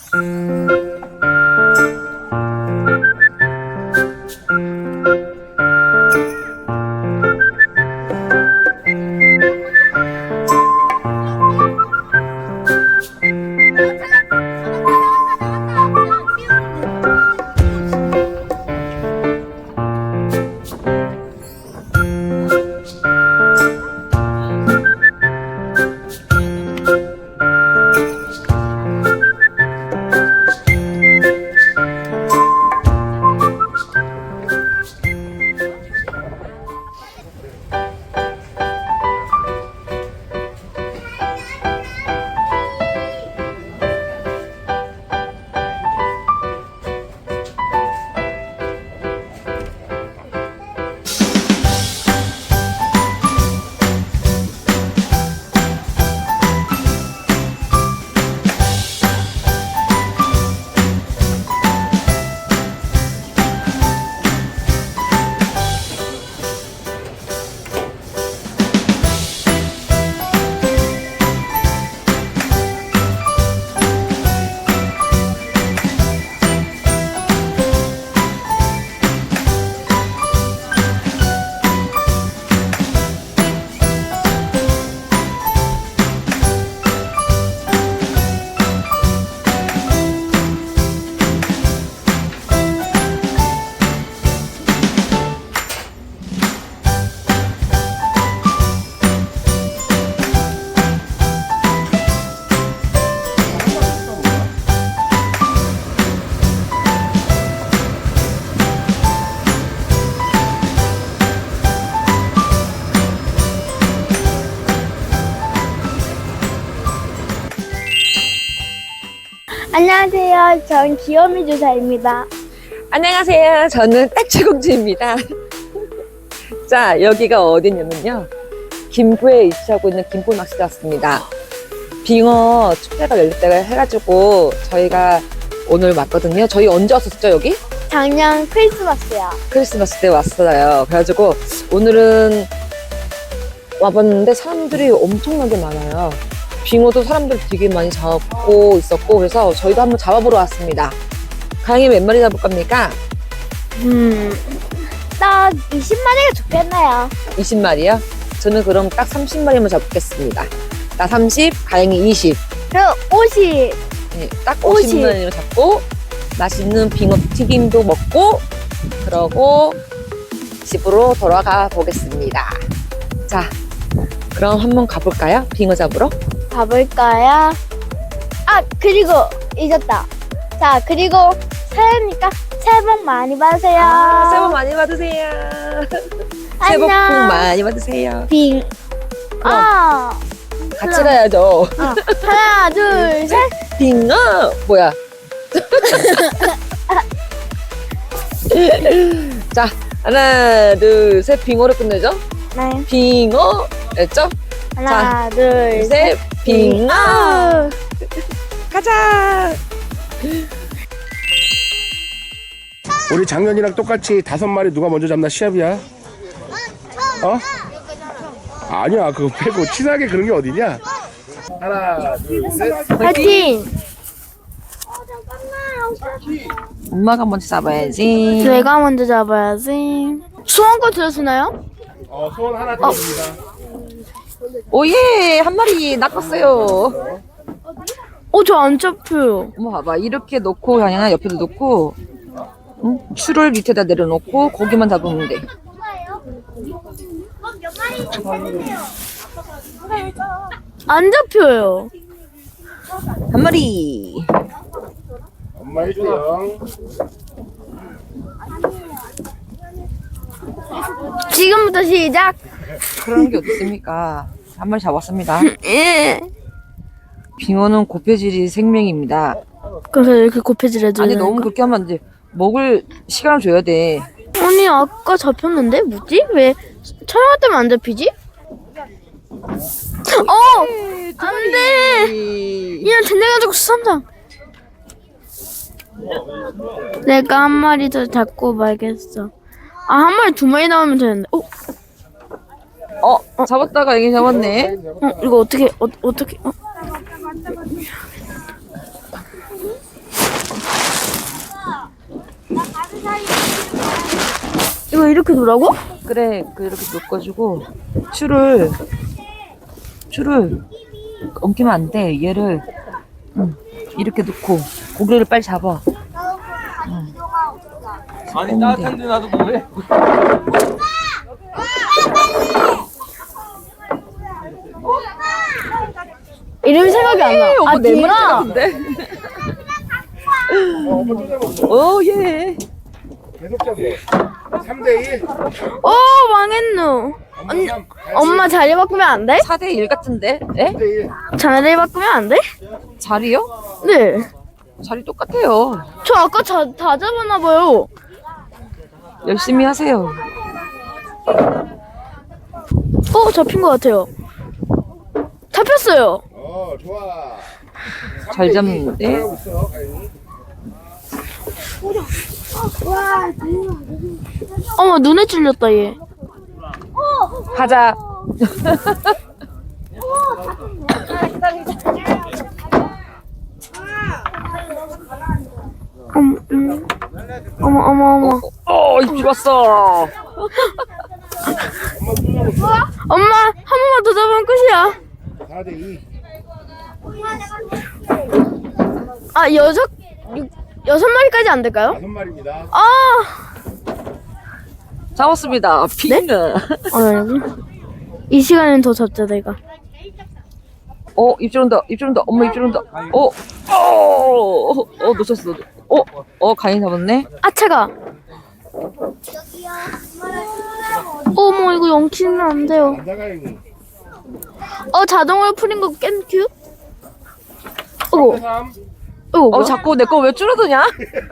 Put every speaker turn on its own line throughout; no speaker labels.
안녕하세요. 전 귀요미 주사입니다.
안녕하세요. 저는 딱지공주입니다. 자, 여기가 어디냐면요. 김포에 위치하고 있는 김포 낚시대 왔습니다. 빙어 축제가 열렸다고 해가지고 저희가 오늘 왔거든요. 저희 언제 왔었죠, 여기?
작년 크리스마스요.
크리스마스 때 왔어요. 그래가지고 오늘은 와봤는데 사람들이 엄청나게 많아요. 빙어도 사람들 되게 많이 잡고 있었고, 그래서 저희도 한번 잡아보러 왔습니다. 가영이 몇 마리 잡을 겁니까?
딱 20마리가 좋겠네요.
20마리요? 저는 그럼 딱 30마리만 잡겠습니다. 나 30, 가영이 20.
그리고 50.
네, 딱
50.
50마리를 잡고 맛있는 빙어 튀김도 먹고 그러고 집으로 돌아가 보겠습니다. 자, 그럼 한번 가볼까요? 빙어 잡으러?
가볼까요? 아, 그리고 잊었다. 자, 그리고 새해니까 새해 복 많이 받으세요.
새해 복 많이 받으세요. 새해 복
안녕.
많이 받으세요.
빙. 아.
같이 가야죠.
하나, 둘, 셋.
빙어! 뭐야? 자, 하나, 둘, 셋. 빙어를 끝내죠?
네.
빙어! 였죠?
하나, 둘, 셋.
셋. 빙어! 가자!
우리 작년이랑 똑같이 5마리 누가 먼저 잡나 시합이야? 어? 아니야, 그거 빼고 친하게 그런 게 어디냐? 하나, 둘, 셋.
파이팅!
엄마가 먼저 잡아야지.
내가 먼저 잡아야지. 수원거 들어주나요?
소원 하나 드립니다.
오예! 한 마리 낚았어요.
저 안 잡혀요.
어머, 봐봐. 이렇게 놓고, 그냥 옆에도 놓고, 응? 추를 밑에다 내려놓고, 고기만 잡으면 돼.
안 잡혀요.
한 마리.
엄마 1등.
지금부터 시작.
그런 게 어디 있습니까? 한 마리 잡았습니다.
예.
빙어는 고폐질이 생명입니다.
그래서 이렇게 고패질해줘야
아니,
되는
너무
거?
그렇게 하면 안 돼. 먹을 시간을 줘야 돼.
아니 아까 잡혔는데 뭐지? 왜 촬영할 때만 안 잡히지? 안돼. 이런 젠장가지고 수산장. 내가 한 마리 더 잡고 말겠어. 한 마리 2마리 나오면 되는데.
잡았다가 여기 잡았네.
이거 어떻게 어떻게? 이거 이렇게 놓으라고?
그래, 이렇게 묶어주고 줄을 엉키면 안 돼. 얘를 이렇게 놓고 고개를 빨리 잡아.
아니 따뜻한데 놔두고 왜?
이름이 생각이 안 나. 아,
내
빙아.
같은데? 오, 예.
계속 잡어. 3대1.
망했노.
엄마 3.
엄마 자리 바꾸면 안 돼?
4대1 같은데? 에?
3대1.
자리 바꾸면 안 돼?
자리요?
네.
자리 똑같아요.
저 아까 다 잡았나봐요.
열심히 하세요.
잡힌 것 같아요. 잡혔어요.
좋아.
잘 잡는데?
잘하고 있어, 가인이.
어머, 눈에 찔렸다, 얘.
가자.
어머.
입 왔어.
엄마, 한 번만 더 잡으면 끝이야.
4대2.
아, 여섯 마리까지 안 될까요?
5마리입니다.
잡았습니다. 빙어.
아니고. 이 시간엔 더 잡자, 내가.
입질 온다. 엄마 입질 온다. 놓쳤어. 가인 잡았네.
아, 차가. 어머, 이거 영키면 안 돼요.
간다, 가인이.
자동으로 풀린 거 깬큐?
3대3.
뭐야?
자꾸 내 거 왜 줄어드냐?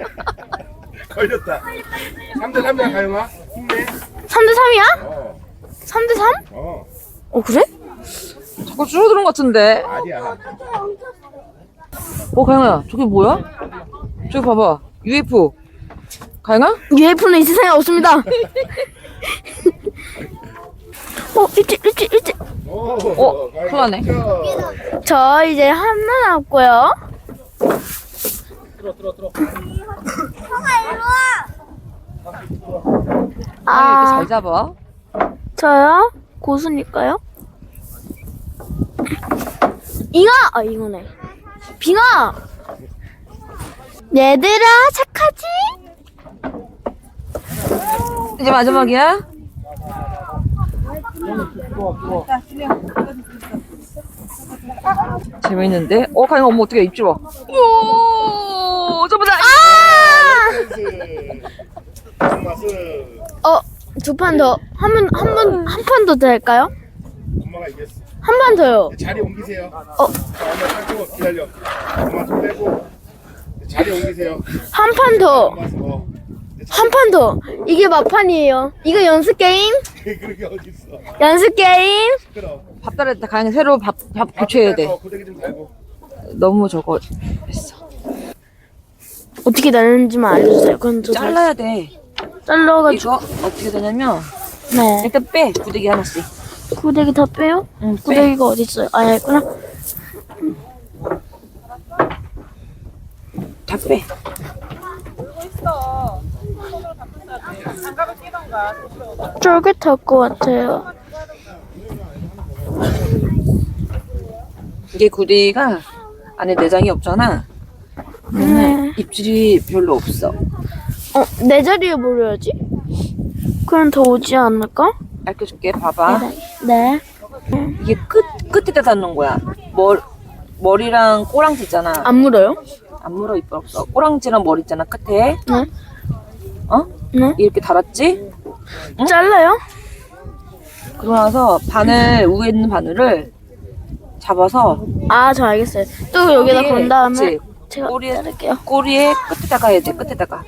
걸렸다. 3대3이야, 가영아. 힘내.
3대3이야? 3대3? 그래?
자꾸 줄어드는 것 같은데.
아니야.
가영아, 저게 뭐야? 저기 봐봐. UFO. 가영아?
UFO는 이 세상에 없습니다. 일찍.
가영이
큰일 나네.
득점.
저 이제 하나 남았고요.
들어.
이렇게 잘 잡아.
저요? 고수니까요. 잉어네. 빙아! 얘들아, 착하지?
이제 마지막이야? 재밌는데? 가영아, 엄마 어떻게 입질 와? 오, 저보다.
맛은
두 판 더. 한 판 더 될까요?
엄마가 이겼어.
한 판 더요.
자리 옮기세요. 엄마 잡고 기다려. 엄마 손 빼고 자리 옮기세요.
한 판 더.
엄마 서.
한 판 더. 이게 막판이에요. 이거 연습 게임?
그렇게 어딨어.
연습 게임?
시끄러.
밥 달을 때 가영이 새로 밥 교체해야 돼.
고데기 좀 달고.
너무 저거 했어.
어떻게 나누는지만 알려주세요. 그건 저
잘라야 돼.
잘라가지고.
이거 어떻게 되냐면
네.
일단 빼. 구데기 하나씩.
구데기 다 빼요?
응, 빼.
구데기가 어디 있어요? 여기 있구나.
다 빼.
쫄깃할 것 같아요.
이게 구데기가 안에 내장이 없잖아. 그러면 입질이 별로 없어.
내 자리에 모려야지. 그럼 더 오지 않을까?
알려줄게. 봐봐.
네.
이게 끝에다 닿는 거야. 머리랑 꼬랑지 있잖아.
안 물어요?
안 물어. 이빨 없어. 꼬랑지랑 머리 있잖아. 끝에.
네. 네.
이렇게 달았지?
잘라요?
그러고 나서 위에 있는 바늘을 잡아서
저 알겠어요. 또 여기다
꼬리에,
건 다음에
그치?
제가
꼬리에
자를게요.
꼬리에 끝에다가 해야 돼. 끝에다가.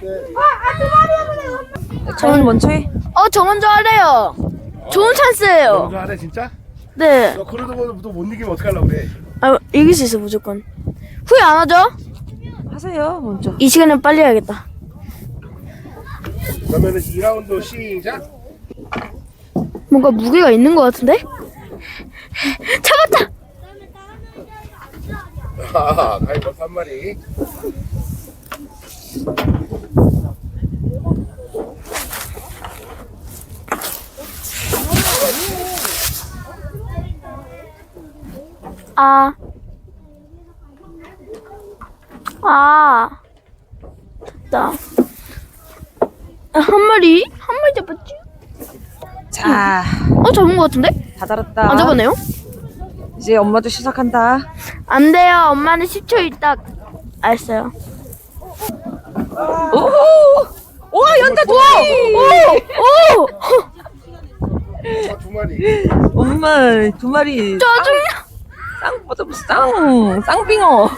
저는 먼저 해.
저 먼저 하래요. 좋은 찬스예요.
먼저 하래 진짜?
네.
너 그러도 못 이기면 어떡하려고 그래.
이길 수 있어 무조건. 후회 안 하죠?
하세요. 먼저.
이 시간엔 빨리 해야겠다.
그러면은 2라운드 시작.
뭔가 무게가 있는 것 같은데? 잡았다!
가위 벌써 한 마리.
됐다. 한 마리 잡았지?
자,
잡은 것 같은데?
다 달았다.
안 잡았네요?
이제 엄마도 시작한다.
안 돼요. 엄마는 10초 있다. 알았어요.
오! 우와, 연다 두 마리!
오!
두 마리.
엄마, 두 마리.
짜증나.
쌍빙어.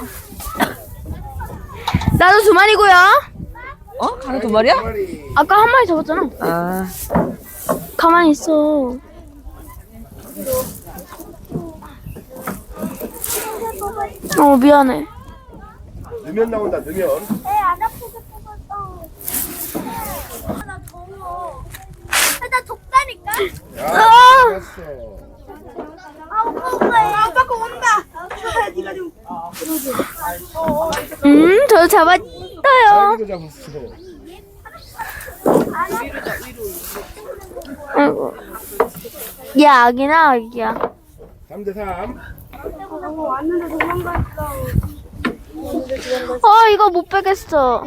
나도 2마리고요.
가는 두 마리야?
두 마리.
아까 한 마리 잡았잖아.
아,
가만히 있어. 미안해.
넣으면 나온다. 넣으면.
안 아프게 뽑았어. 나 더워. 나 덥다니까.
야,
아!
잡았어.
아빠가 온다. 네가 좀.
저 잡았어요.
자기도 잡았어.
아이고. 얘 아기나 아기야.
3대3.
왔는데 도망갔어.
이거 못 빼겠어.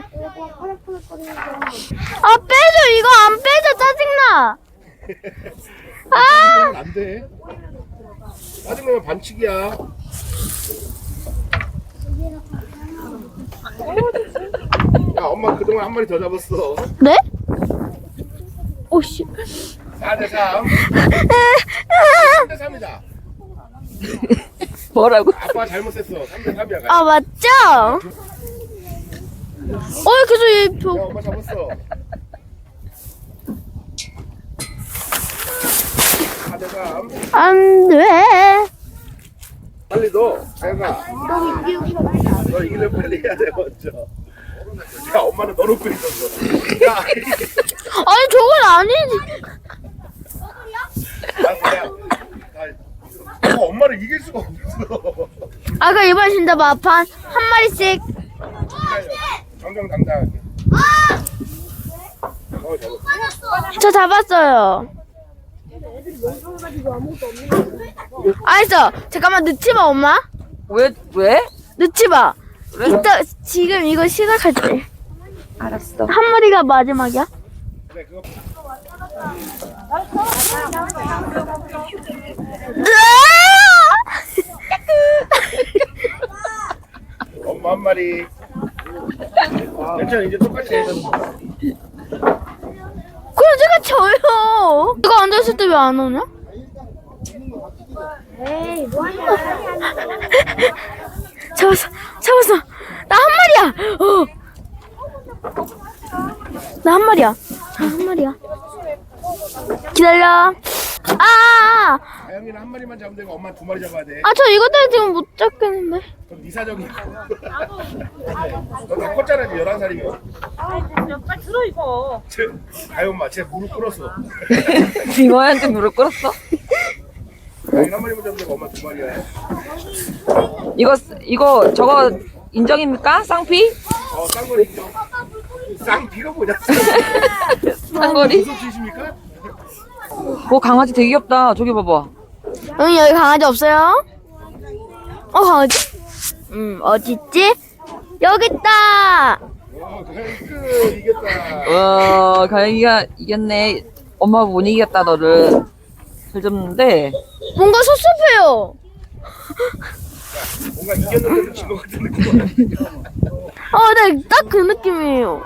빼줘. 이거 안 빼줘. 짜증나.
안 돼. 짜증나면 반칙이야. 야, 엄마 그동안 한 마리 더 잡았어.
네? 오씨.
4대3. 3대3이다.
뭐라고?
아빠 잘못했어. 3대3이야.
맞죠? 계속 얘
야, 엄마 잡았어. 4대3.
안 돼.
빨리 넣어. 자연아. 너 이기려 빨리 해야 돼, 먼저. 야, 엄마는 넣어놓고 있었어. 야,
아니, 저건 아니지.
엄마를 이길 수가 없어.
아까 이번 진짜 마판 한 마리씩.
정정당당하게. 잡았어.
저 잡았어요. 알았어. 잠깐만 넣지 마, 엄마.
왜?
넣지 마.
그래?
이따 지금 이거 시작할 때.
알았어.
한 마리가 마지막이야.
그래, 그거. 엄마 한 마리. 괜찮아, 이제 똑같이 해.
그럼 제가 져요. 이거 앉아있을 때 왜 안 오냐? 잡았어. 나 한 마리야. 나 한 마리야. 기다려.
다영이는 한 마리만 잡으면 되고 엄마 두 마리 잡아야 돼.
저 이것 때문에 지금 못 잡겠는데.
그럼 네 사정이야. 너 다 컸잖아, 11살이면.
빨리 들어 이거.
다영아, 쟤 무릎 꿇었어.
빙어한테 무릎 꿇었어?
다영이 한 마리만 잡으면 되고 엄마 두 마리야.
이거 저거 인정입니까? 쌍피?
쌍거리 있죠. 쌍비가 뭐냐?
쌍거리?
무슨 뜻입니까?
강아지 되게 귀엽다. 저기 봐봐.
응, 여기 강아지 없어요? 강아지? 어딨지? 여기 있다.
다영이 끝, 이겼다.
가영이가 이겼네. 엄마가 못 이겼다 너를. 잘 잡는데.
뭔가 섭섭해요.
뭔가 이겼는데도 진것 같은 느낌.
네, 딱 그 느낌이에요.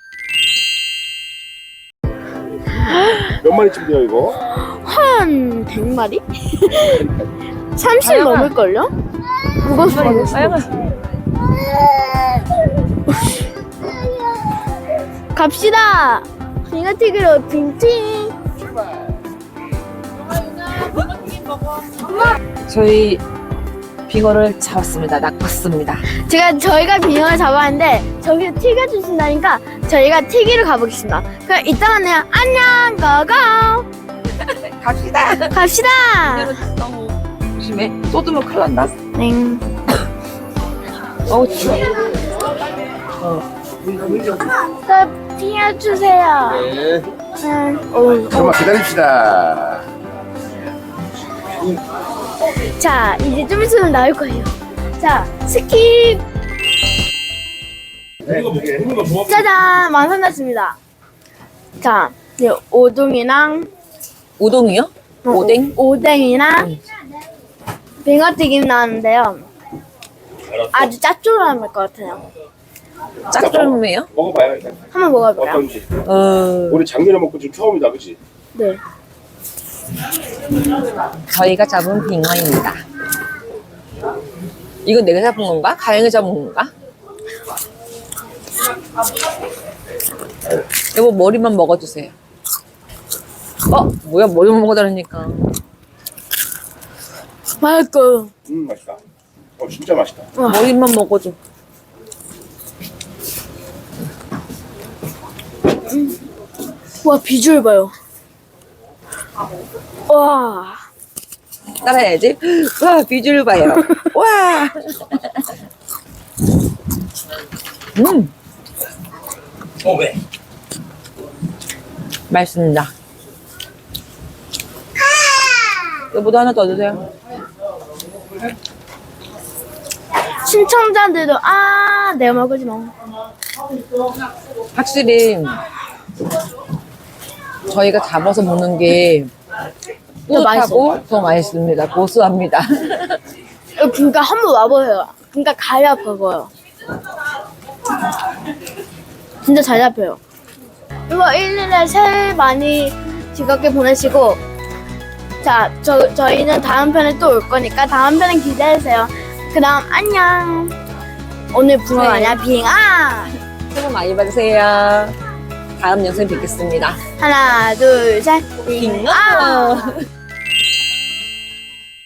몇 마리쯤 돼요, 이거?
한 100마리? 30
다영아.
넘을걸요? 무거워.
가영아.
갑시다. 빙어튀기로 빙팅.
저희 빙어를 잡았습니다. 낚았습니다.
저희가 빙어를 잡았는데 저기 튀겨주신다니까 저희가 튀기러 가보겠습니다. 그럼 이따 만나요. 안녕. 고고.
갑시다.
갑시다.
너무 조심해. 쏟으면 큰일 난다.
네.
추워.
저 튀겨주세요.
네.
네.
잠깐만 기다립시다.
자, 이제 좀 있으면 나올 거예요. 자, 스킵. 짜잔, 완성됐습니다. 자, 이제 오동이랑
우동이요? 오뎅?
오뎅이랑 빙어튀김 나왔는데요. 아주 짭조름할 것 같아요.
짭조름해요?
먹어봐요 일단.
한번 먹어볼까요?
어떤지.
어,
우리 작년에 먹고 지금 처음이다, 그치?
네.
저희가 잡은 빙어입니다. 이건 내가 잡은 건가? 가영이 잡은 건가? 여보 머리만 먹어주세요. 뭐야 머리만 먹어달라니까.
맛있어요.
맛있다. 진짜 맛있다.
머리만 먹어줘.
와, 비주얼 봐요. 와.
따라해야지. 와 비주얼 봐요. 와.
왜?
맛있습니다. 여보도 하나 더 주세요.
신청자들도 내가 먹으지 뭐.
확실히 저희가 잡아서 먹는 게
더
뿌듯하고 더 맛있습니다. 고소합니다.
그러니까 한번 와보세요. 그러니까 가야 먹어요. 진짜 잘 잡혀요. 이거 1일에 새해 많이 즐겁게 보내시고, 자, 저희는 다음 편에 또 올 거니까 다음 편에 기대해주세요. 그 다음 안녕. 오늘 붕어
네.
아니야 빙아.
새해 복 많이 받으세요. 다음 영상에 뵙겠습니다.
하나 둘 셋 빙아.
빙어.